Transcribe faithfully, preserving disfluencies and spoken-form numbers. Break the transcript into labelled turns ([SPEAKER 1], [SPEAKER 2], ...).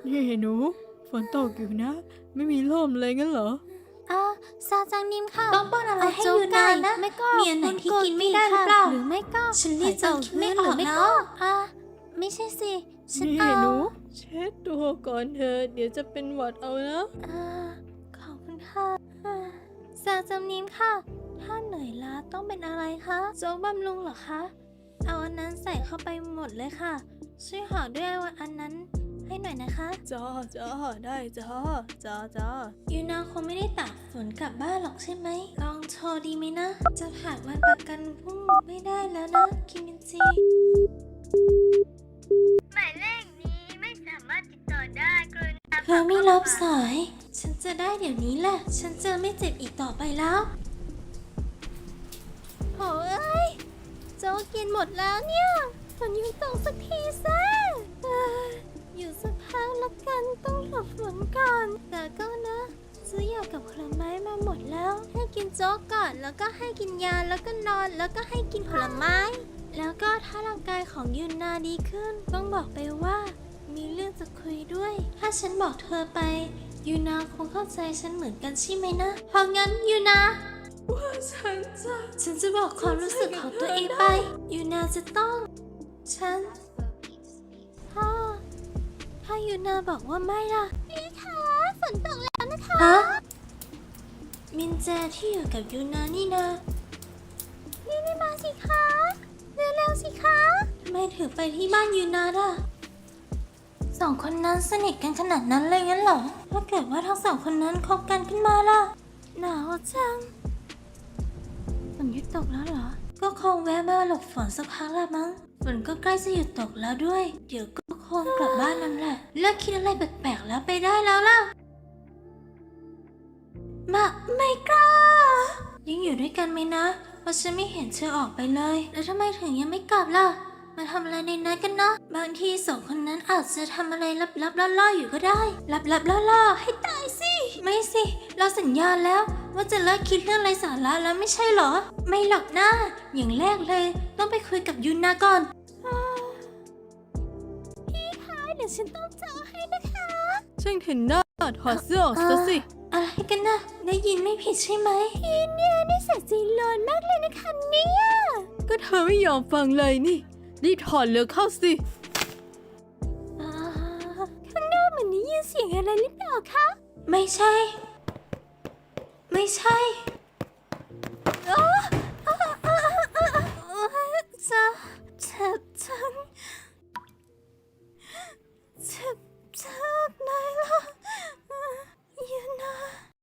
[SPEAKER 1] นี่หนูฝนตกอยู่นะไม่มีร่มเลยงั้นเหรอ
[SPEAKER 2] อ่าซาจังนิมค่ะ
[SPEAKER 3] ต้องป้อนอะไรให้ยูนานะ
[SPEAKER 2] ไม่ก็
[SPEAKER 3] มีอันไหนที่กินไม่ได้หรือเปล่า
[SPEAKER 2] หรือไม่ก็
[SPEAKER 3] ฉันเรียกจนคิดไม่ออก
[SPEAKER 2] หรื
[SPEAKER 3] แล้
[SPEAKER 2] ก็
[SPEAKER 3] ว
[SPEAKER 2] อ่าไม่ใช่สิฉัน
[SPEAKER 1] นี่
[SPEAKER 2] เอา
[SPEAKER 1] หนูเช็ดตัวก่อนเธอเดี๋ยวจะเป็นหวัดเอานะ
[SPEAKER 2] อ่าขอบคุณค่ะอ่าซาจังนิมค่ะ ถ้าเหนื่อยล้าต้องเป็นอะไรคะโจ๊กบำรุงเหรอคะเอาอันนั้นใส่เข้าไปหมดเลยค่ะ ช่วยห่อด้วยอันนั้นให้หน่อยนะคะ
[SPEAKER 1] จ้าจ้าได้จ้าจ้าจ้า
[SPEAKER 2] ยูนาคงไม่ได้ตากฝนกลับบ้านหรอกใช่ไหม ลองโทรดีไหมนะ จะผ่านวันประกันพรุ่งไม่ได้แล้วนะ คิมินจี
[SPEAKER 4] หมายเลขนี้ไม่สามารถติดต่อได้กรุณา
[SPEAKER 2] เธอไม่รับสาย ฉันจะได้เดี๋ยวนี้แหละ ฉันจะไม่เจ็บอีกต่อไปแล้วโอ้ยโจ๊กกินหมดแล้วเนี่ยฝนหยุดตกสักทีซะเอ้ยอยู่สักพักละกันต้องหลบฝนก่อน แต่ก็นะ ซื้อยากับผลไม้มาหมดแล้ว ให้กินโจ๊กก่อนแล้วก็ให้กินยาแล้วก็นอนแล้วก็ให้กินผลไม้ แล้วก็ถ้าร่างกายของยูนาดีขึ้น ต้องบอกไปว่า มีเรื่องจะคุยด้วย ถ้าฉันบอกเธอไป ยูนาคงเข้าใจฉันเหมือนกันใช่ไหมนะ เพราะงั้นยูนา
[SPEAKER 1] ว่าฉันจะ
[SPEAKER 2] ฉันจะบอกความรู้สึกของตัวเองไป ยูนาจะต้อง ฉันถ้าถ้ายูนาบอกว่าไม่ล่ะพี่คะฝนตกแล้วนะคะฮะมินแจที่อยู่กับยูนานี่นะนี่นี่มาสิคะเร็วๆสิคะทำไมถึงไปที่บ้านยูนาล่ะสองคนนั้นสนิทกันขนาดนั้นเลยงั้นเหรอถ้าเกิดว่าทั้งสองคนนั้นคบกันขึ้นมาล่ะหนาวจัง ฝนหยุดตกแล้วเหรอ ก็คงแวะมาหลบฝนสักพักละมั้ง ฝนก็ใกล้จะหยุดตกแล้วด้วย เดี๋ยวก็คงกลับบ้านนั่นแหละ เลิกคิดอะไรแปลกๆแล้วไปได้แล้วล่ะ มาไม่กล้า ยังอยู่ด้วยกันไหมนะ เพราะฉันไม่เห็นเธอออกไปเลย แล้วทำไมถึงยังไม่กลับล่ะ มาทำอะไรในนั้นกันนะ บางทีสองคนนั้นอาจจะทำอะไรลับๆล่อๆอยู่ก็ได้ ลับๆล่อๆให้ตายสิ ไม่สิ เราสัญญาแล้ว ว่าจะเลิกคิดเรื่องไร้สาระแล้วไม่ใช่เหรอ ไม่หรอกนะอย่างแรกเลย ต้องไปคุยกับยุนนาก่อนพี่คะเดี๋ยวฉันต้องเจอให้นะคะ
[SPEAKER 1] ช่างเห็นหน้าถอดเสื้อออกซะสิ
[SPEAKER 2] อะไรกันนะ ได้ยินไม่ผิดใช่ไหมพี่เนี่ยนี่ใส่ซีโลนมากเลยนะคะเนี่ย
[SPEAKER 1] ก็เธอไม่ยอมฟังเลยนี่รีบถอดเร็วเข้าสิ
[SPEAKER 2] อ่าข้างนอกเหมือนได้ยินเสียงอะไรหรือเปล่าคะ ไม่ใช่ ไม่ใช่อ้าอ้าอ้าอ้าอ้าจะเจ็บจังเจ็บจังไหนล่ะ